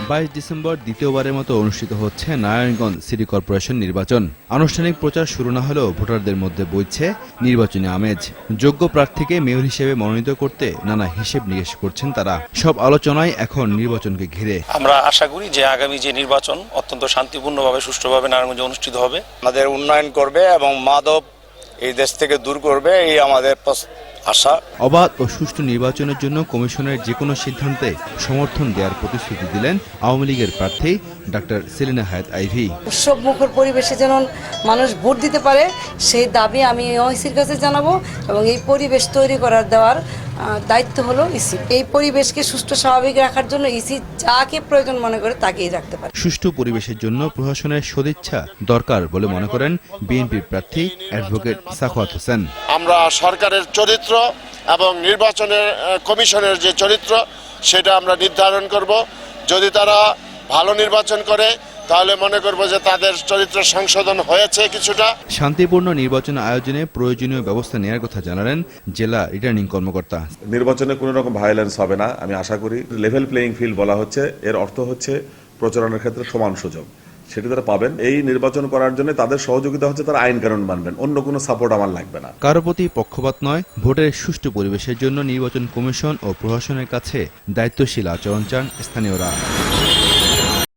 22 December দ্বিতীয়বারের মতো অনুষ্ঠিত হচ্ছে নারায়ণগঞ্জ সিটি কর্পোরেশন নির্বাচন। আনুষ্ঠানিক প্রচার শুরু না হলেও ভোটারদের মধ্যে বইছে নির্বাচনী আমেজ। যোগ্য প্রার্থীকে মেয়র হিসেবে মনোনীত করতে নানা হিসেব নিকেশ করছেন তারা। সব আলোচনায় এখন নির্বাচনকে ঘিরে। আমরা আশা করি যে আগামী যে নির্বাচন অত্যন্ত শান্তিপূর্ণভাবে সুষ্ঠুভাবে নারায়ণগঞ্জে অনুষ্ঠিত হবে। আমাদের উন্নয়ন করবে এবং মাদক এই দেশ থেকে দূর করবে, এই আমাদের আশা। অবাধ ও সুষ্ঠু নির্বাচনের জন্য কমিশনের যে কোনো সিদ্ধান্তে সমর্থন দেওয়ার প্রতিশ্রুতি দিলেন আওয়ামী লীগের প্রার্থী ডাক্তার সেলিনা হায়াৎ আইভী। উৎসব মুখর পরিবেশে যেন মানুষ ভোট দিতে পারে সেই দাবি আমি ওইসির কাছে জানাবো এবং এই পরিবেশ তৈরি করার দেওয়ার দায়িত্ব হলো ইসি। এই পরিবেশকে সুষ্ঠু স্বাভাবিক রাখার জন্য ইসি যাকে প্রয়োজন মনে করে তাকেই রাখতে পারে। সুষ্ঠু পরিবেশের জন্য প্রশাসনের সদিচ্ছা দরকার বলে মনে করেন বিএনপির প্রার্থী অ্যাডভোকেট সাখাওয়াত হোসেন। আমরা সরকারের চরিত্র এবং নির্বাচনের কমিশনের যে চরিত্র সেটা আমরা নির্ধারণ করব। যদি তারা ভালো নির্বাচন করে তাহলে মনে করব যে তাদের চরিত্র সংশোধন হয়েছে কিছুটা। শান্তিপূর্ণ নির্বাচন আয়োজনে প্রয়োজনীয় ব্যবস্থা নেওয়ার কথা জানালেন জেলা রিটার্নিং কর্মকর্তা। নির্বাচনে কোনো রকম ভায়োলেন্স হবে না, আমি আশা করি। লেভেল প্লেইং ফিল্ড বলা হচ্ছে, এর অর্থ হচ্ছে প্রচারণার ক্ষেত্রে সমান সুযোগ সেটি তারা পাবেন। এই নির্বাচন করার জন্য তাদের সহযোগিতা হচ্ছে তারা আইন কানুন মানবেন, অন্য কোনো সাপোর্ট আমার লাগবে না। কারো প্রতি পক্ষপাত নয়, ভোটের সুষ্ঠু পরিবেশের জন্য নির্বাচন কমিশন ও প্রশাসনের কাছে দায়িত্বশীল আচরণ চান স্থানীয়রা।